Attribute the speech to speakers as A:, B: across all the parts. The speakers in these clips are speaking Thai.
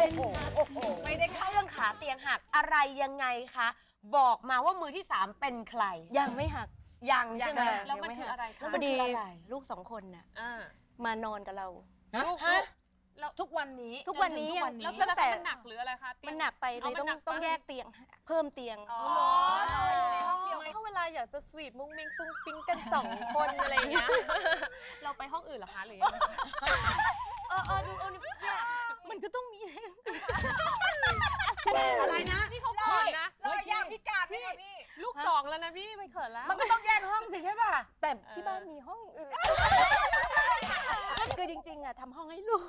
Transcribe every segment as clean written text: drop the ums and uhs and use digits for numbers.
A: ไม่ได้เข้าเรื่องขาเตียงหักอะไรยังไงคะบอกมาว่ามือที่3เป็นใคร
B: ยังไม่หัก
A: ยังใช่ไหม
C: แล้วมันคืออะไรคะ
B: พอดีลูก2 คนน่ะมานอนกับเรา
C: ลูกแล้ว
B: ทุกวันนี้
C: แล้วตั้งแต่มันหนักหรืออะไรคะ
B: มันหนักไปเลยต้องแยกเตียงเพิ่มเตียง
C: เดี๋ยวถ้าเวลาอยากจะสวีทมุ้งมิ้งฟุ้งฟิ้งกัน2 คนอะไรเงี้ยเราไปห้องอื่นเหรอคะหรือยัง
B: มันก็ต้องมี
D: อะไรนะ
C: พี่เขาเขินนะ
D: รอยย่างพิการพี่
C: ลูก2แล้วนะพี่ไม่เขินแล้ว
D: มันก็ต้องแยกห้องสิใช่ป่ะ
B: แต่ที่บ้านมีห้องอื่นคือจริงๆอะทำห้องให้ลูก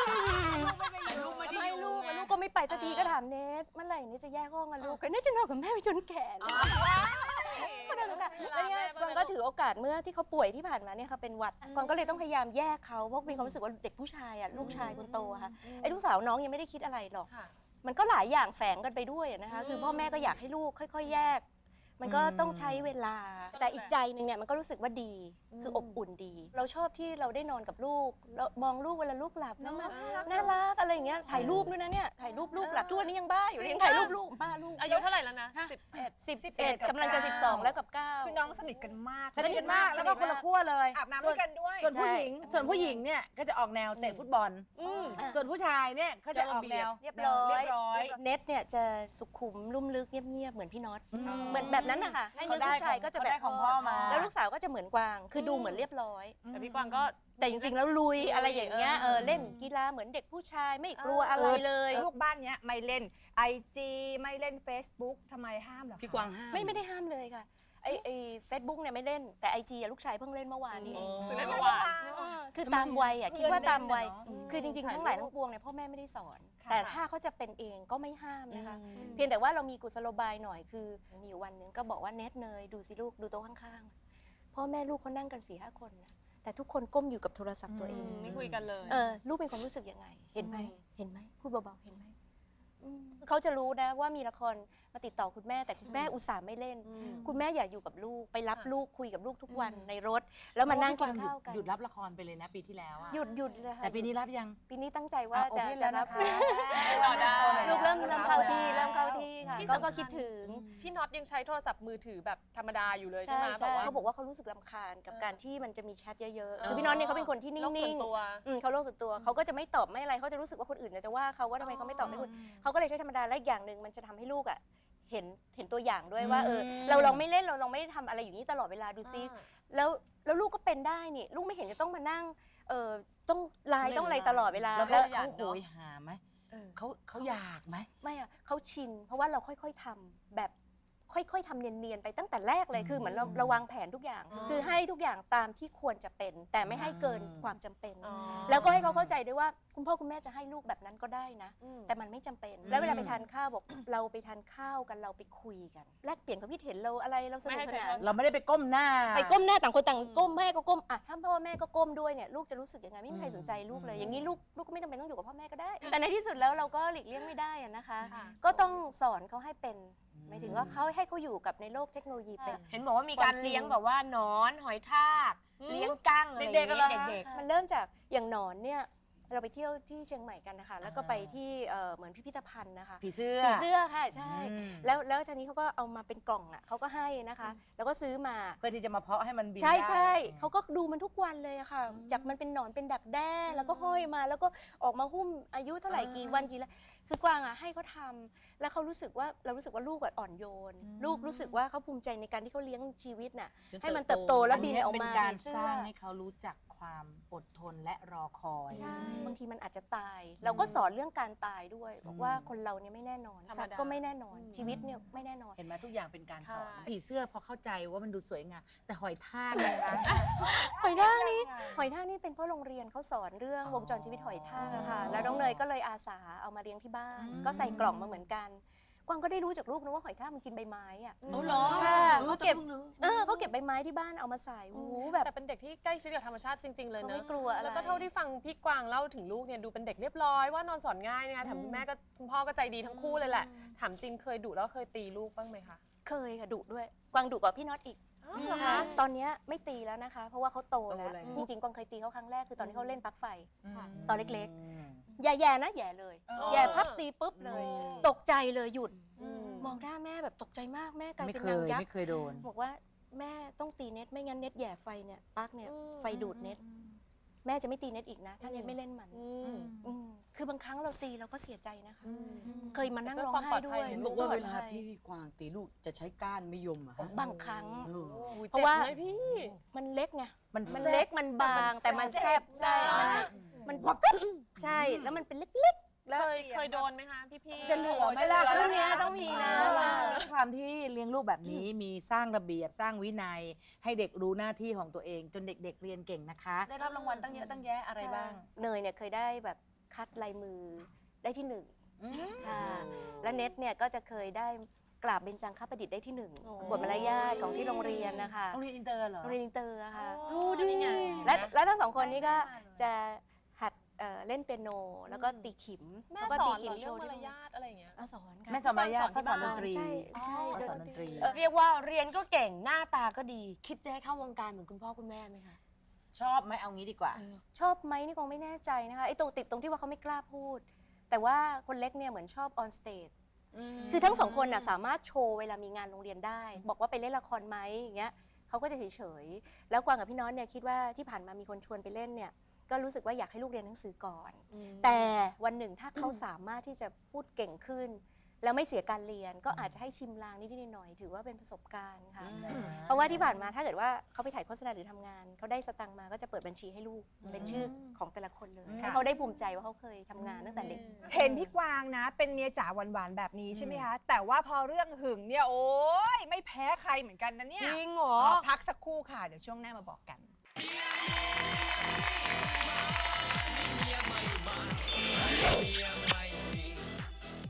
B: ไม่ลูกก็ไม่ไปสักทีก็ถามเนทเมื่อไหร่นี่จะแยกห้องกันลูกกันเนทจะนอนกับแม่ไปจนแก่ก็นั่นแหละแล้วเนี่ยกวางก็ถือโอกาสเมื่อที่เขาป่วยที่ผ่านมาเนี่ยค่ะเป็นหวัดกวางก็เลยต้องพยายามแยกเขาเพราะมีความรู้สึกว่าเด็กผู้ชายอะลูกชายคนโตค่ะไอ้ลูกสาวน้องยังไม่ได้คิดอะไรหรอกมันก็หลายอย่างแฝงกันไปด้วยนะคะคือพ่อแม่ก็อยากให้ลูกค่อยๆแยกมันก็ต้องใช้เวลาแต่อีกใจหนึ่งเนี่ยมันก็รู้สึกว่าดีคืออบอุ่นดีเราชอบที่เราได้นอนกับลูกเรามองลูกเวลาลูกหลับน่ารักอะไรอย่างเงี้ยถ่ายรูปด้วยนะเนี่ยถ่ายรูปลูกหลับทุกวันนี้ยังบ้าอยู่ยังถ่ายรูปลูกบ้าลูก
C: อายุเท่าไหร่แล้วนะ
B: 11กำลังจะ12แล้วกับ9
D: คือน้องสนิทกันมาก
E: แล้วก็คนละขั้วเลย
D: อาบน้ำด้วยกันด้วย
E: ส่วนผู้หญิงเนี่ยก็จะออกแนวเตะฟุตบอลส่วนผู้ชายเนี่ยก็จะออกแนว
B: เรียบร้อยเน็ตเนี่ยจะสุขุมลุ่มลึกเงียบๆเหมือนพี่น็อตเหมือนแบบนั้นนะคะให้ลูกชายก็จะแบบ
E: ของพ่อมา
B: แล้วลูกสาวก็จะเหมือนกวางคือดูเหมือนเรียบร้อย
C: แต่พี่กวางก็
B: แต่จริงๆแล้วลุยอะไรอย่างเงี้ยเล่นกีฬาเหมือนเด็กผู้ชายไม่กลัวอะไรเลย
D: ลูกบ้านเนี้ยไม่เล่น IG ไม่เล่น Facebook ทำไมห้ามเหรอ
E: พี่กวางห้าม
B: ไม่ได้ห้ามเลยค่ะไอเฟซบุ๊กเนี่ยไม่เล่นแต่ IG ลูกชายเพิ่งเล่นเมื่อวานนี้เอง
C: คือเล่นเมื่อวาน
B: คือตามวัยคิดว่าตามวัยคือจริงๆทั้งหลายทั้งปวงเนี่ยพ่อแม่ไม่ได้สอนแต่ถ้าเขาจะเป็นเองก็ไม่ห้ามนะคะเพียงแต่ว่าเรามีกุศโลบายหน่อยคือมีอยู่วันนึงก็บอกว่าเน็ตเนยดูสิลูกดูโต๊ะข้างๆพ่อแม่ลูกเขานั่งกัน4-5 คนนะแต่ทุกคนก้มอยู่กับโทรศัพท์ตัวเอง
C: ไม่คุยกันเลย
B: ลูกเป็นความรู้สึกยังไงเห็นไหมพูดเบาๆเห็นไหมเขาจะรู้นะว่ามีละครมาติดต่อคุณแม่แต่คุณแม่อุตส่าห์ไม่เล่นคุณแม่อยากอยู่กับลูกไปรับลูกคุยกับลูกทุกวันในรถแล้วมานั่งกินข้าวกัน
E: หยุดรับละครไปเลยนะปีที่แล้ว
B: หยุดเลยค่ะ
E: แต่ปีนี้รับยัง
B: ปีนี้ตั้งใจว่าจะรับลูกเริ่มเข้าที่ค่ะก็คิดถึง
C: พี่น็อตยังใช้โทรศัพท์มือถือแบบธรรมดาอยู่เลยใช่ไหม
B: เขาบอกว่าเขารู้สึกรำคาญกับการที่มันจะมีแชทเยอะๆคือพี่น็อตเนี่ยเขาเป็นคนที่นิ่งๆเขาโลกส่วนตัวเขาก็จะไม่ตอบไม่อะไรเขาจะรู้สึกว่าคนอื่นจะว่าเขาว่าทำไมเขาไม่ตอบไม่คุยเขาก็เลยใช้ธรรมดาและอีกอย่างหนึ่งมันจะทำให้ลูกเห็นตัวอย่างด้วยว่าเราลองไม่เล่นเราลองไม่ทำอะไรอยู่นี่ตลอดเวลาดูซิแล้วลูกก็เป็นได้นี่ลูกไม่เห็นจะต้องมานั่งต้องไลน์ต้องอะไรตลอดเวลา
E: แล้วเขาโหยหาไหมเขาอยากไหม
B: ไม่อะเขาชินเพราะว่าเราค่อยๆทำแบบค่อยๆทำเนียนๆไปตั้งแต่แรกเลยคือเหมือนเราวางแผนทุกอย่างคือให้ทุกอย่างตามที่ควรจะเป็นแต่ไม่ให้เกินความจำเป็นแล้วก็ให้เขาเข้าใจด้วยว่าคุณพ่อคุณแม่จะให้ลูกแบบนั้นก็ได้นะแต่มันไม่จำเป็นแล้วเวลาไปทานข้าวบอกเราไปทานข้าวกันเราไปคุยกันแลกเปลี่ยนความคิดเห็นเราอะไรเราสนุกสนาน
E: เราไม่ได้ไปก้มหน้า
B: ต่างคนต่างก้มแม่ก็ก้มอ่ะถ้าพ่อแม่ก็ก้มด้วยเนี่ยลูกจะรู้สึกยังไงไม่มีใครสนใจลูกเลยอย่างนี้ลูกก็ไม่จำเป็นต้องอยู่กับพ่อแม่ก็ได้แต่ในที่สุดแล้วเราก็หลีกเลี่ยงไม่ได้นะคะก็ต้องสอนเขาให้เป็นหมายถึงว่าเขาให้เขาอยู่กับในโลกเทคโนโลยีเป็น
A: เห็นบอกว่ามีการเลี้ยงแบบว่าหนอนหอยทากเลี้ยงกั้งอะไรเด็ก
B: ๆมันเริ่มจากอย่างหนอนเนี่ยเราไปเที่ยวที่เชียงใหม่กันนะคะแล้วก็ไปที่เหมือนพิพิธภัณฑ์นะคะ
E: ผีเสื้
B: อค่ะใช่แล้วทีนี้เขาก็เอามาเป็นกล่องอ่ะเขาก็ให้นะคะแล้วก็ซื้อมา
E: เพื่อที่จะมาเพาะให้มันบิน
B: ใช่เขาก็ดูมันทุกวันเลยอะค่ะจากมันเป็นหนอนเป็นดักแด้แล้วก็ห้อยมาแล้วก็ออกมาหุ้มอายุเท่าไหร่กี่วันกี่แล้วคือกวางอ่ะให้เขาทำแล้วเขารู้สึกว่าเรารู้สึกว่าลูกอ่อนโยนลูกรู้สึกว่าเขาภูมิใจในการที่เขาเลี้ยงชีวิตน่ะให้มันเติบโตแล้วบินออกมา
E: เป็นการสร้างให้เขารู้จักความอดทนและรอคอย
B: บางทีมันอาจจะตายเราก็สอนเรื่องการตายด้วยบอกว่าคนเราเนี่ยไม่แน่นอนสัตว์ก็ไม่แน่นอนชีวิตเนี่ยไม่แน่นอน
E: เห็นไหมทุกอย่างเป็นการสอนผีเสื้อพอเข้าใจว่ามันดูสวยงามแต่หอยทากนะคะ
B: หอยทากนี่เป็นเพราะโรงเรียนเขาสอนเรื่องวงจรชีวิตหอยทากค่ะแล้วน้องเนยก็เลยอาสาเอามาเลี้ยงที่บ้านก็ใส่กล่องมาเหมือนกันกวางก็ได้รู้จากลูกนะว่าหอยทากมันกินใบไม้อ่ะ
E: เหรอ
B: เขาเก็บใบไม้ที่บ้านเอามาใส่แบบ
C: แต่เป็นเด็กที่ใกล้ชิดกับธรรมชาติจริงๆเลยนะ
B: ไม่กลัวอะไร
C: แล้วก็เท่าที่ฟังพี่กวางเล่าถึงลูกเนี่ยดูเป็นเด็กเรียบร้อยว่านอนสอนง่ายนะคะถามคุณแม่ก็คุณพ่อก็ใจดีทั้งคู่เลยแหละถามจริงเคยดุแล้วเคยตีลูกบ้างไหมคะ
B: เคยค่ะดุด้วยกวางดุกว่าพี่น็อตอีก
A: เหรอคะ
B: ตอนเนี้ยไม่ตีแล้วนะคะ เพราะว่าเขาโตแล้ว
E: โตแล้ว
B: จริงๆกวางเคยตีเขาครั้งแรกคือตอนที่เขาเล่นปลั๊กไฟ
C: ค่ะ
B: ตอนเล็กๆ แย่ๆนะแย่เลย แย่พับตีปุ๊บเลย ตกใจเลยหยุด มองหน้าแม่แบบตกใจมากแม่กลาย
E: ไม่
B: เป็น
E: เค
B: นาง
E: ย
B: ยัก
E: ไม่
B: ษ์
E: เคยโดน
B: บอกว่าแม่ต้องตีเน็ตไม่งั้นเน็ตแย่ไฟเนี่ยปลั๊กเนี่ยไฟดูดเน็ตแม่จะไม่ตีเน็ตอีกนะ ถ้าเน็ตไม่เล่นมันคือบางครั้งเราตีเราก็เสียใจนะคะ เคยมานั่งร้องไห้ด้วย
F: เห็นบอกว่าเวลาพี่กวางตีลูกจะใช้ก้านมะยมอะฮะ
B: บางครั้ง
F: เออ
B: เพราะว่า
C: เจ็บไหมพี่
B: มันเล็กไง
E: มัน
B: มันเล็กมันบางแต่มันแซ่บใช่มันใช่แล้วมันเป็นเล็กๆแล้ว
C: เคยโดนไหมคะพี่
E: จะเหลือไหมล่ะ
B: เรื่องเนี้ยต้องมีนะ
E: ด้วยความที่เลี้ยงลูกแบบนี้มีสร้างระเบียบสร้างวินัย ให้เด็กรู้หน้าที่ของตัวเอง จนเด็กๆเรียนเก่งนะคะ ได้รับรางวัลตั้งเยอะตั้งแยะอะไรบ้าง
B: เนยเนี่ยเคยได้แบบคัดลายมือได้ที่หนึ่งค่ะและเน็ตเนี่ยก็จะเคยได้กราบเบญจังคประดิษฐ์ได้ที่หนึ่งบทมารยาทของที่โรงเรียนนะคะ
E: โรงเรียนอินเตอร์เหรอ
B: โรงเรียนอินเตอร์อะค่ะ
E: ดูดิ
B: และทั้งสองคนนี้ก็จะหัดเล่นเปียโนแล้วก็ตีขิม
C: แม่
B: แล้วก็
C: ส
B: ตี
C: อน
B: ขิ
C: เหรอเรื่องมาร
B: ที่
C: ยาทอะไรอย่างเงี้ย
B: สอนค่ะ
E: แม่สอนมารยาทพ่อสอนดนตรี
B: ใช่ใช่
E: พ่อสอนดนตรี
A: เรียกว่าเรียนก็เก่งหน้าตาก็ดี คิดจะให้เข้าวงการเหมือนคุณพ่อคุณแม่ไหมคะ
E: ชอบไหมเอางี้ดีกว่า
B: ชอบไหมนี่คงไม่แน่ใจนะคะไอ้ตรงติดตรงที่ว่าเขาไม่กล้าพูด แต่ว่าคนเล็กเนี่ยเหมือนชอบออนสเตจคือทั้งสองคนน่ะสามารถโชว์เวลามีงานโรงเรียนได้ บอกว่าไปเล่นละครไหมอย่างเงี้ยเขาก็จะเฉยๆแล้วกวางกับพี่น้องเนี่ยคิดว่าที่ผ่านมามีคนชวนไปเล่นเนี่ยก็รู้สึกว่าอยากให้ลูกเรียนหนังสือก่อน แต่วันหนึ่งถ้าเขาสามารถที่จะพูดเก่งขึ้น แล้วไม่เสียการเรียนก็อาจจะให้ชิมลางนิดๆหน่อยๆถือว่าเป็นประสบการณ์ค่ะ เพราะว่าที่ผ่านมาถ้าเกิดว่าเขาไปถ่ายโฆษณาหรือทำงานเขาได้สตังค์มาก็จะเปิดบัญชีให้ลูกเป็นชื่อของแต่ละคนเลยให้เขาได้ภูมิใจว่าเขาเคยทำงานตั้งแต่เด็ก
D: เห็นพี่กวางนะ เป็นเมียจ๋าหวานๆแบบนี้ใช่ไหมคะ แต่ว่าพอเรื่องหึงเนี่ยโอ๊ยไม่แพ้ใครเหมือนกันนะเนี่ย
A: จริงเหรอ
D: พักสักครู่ค่ะ เดี๋ยวช่วงหน้ามาบอกกัน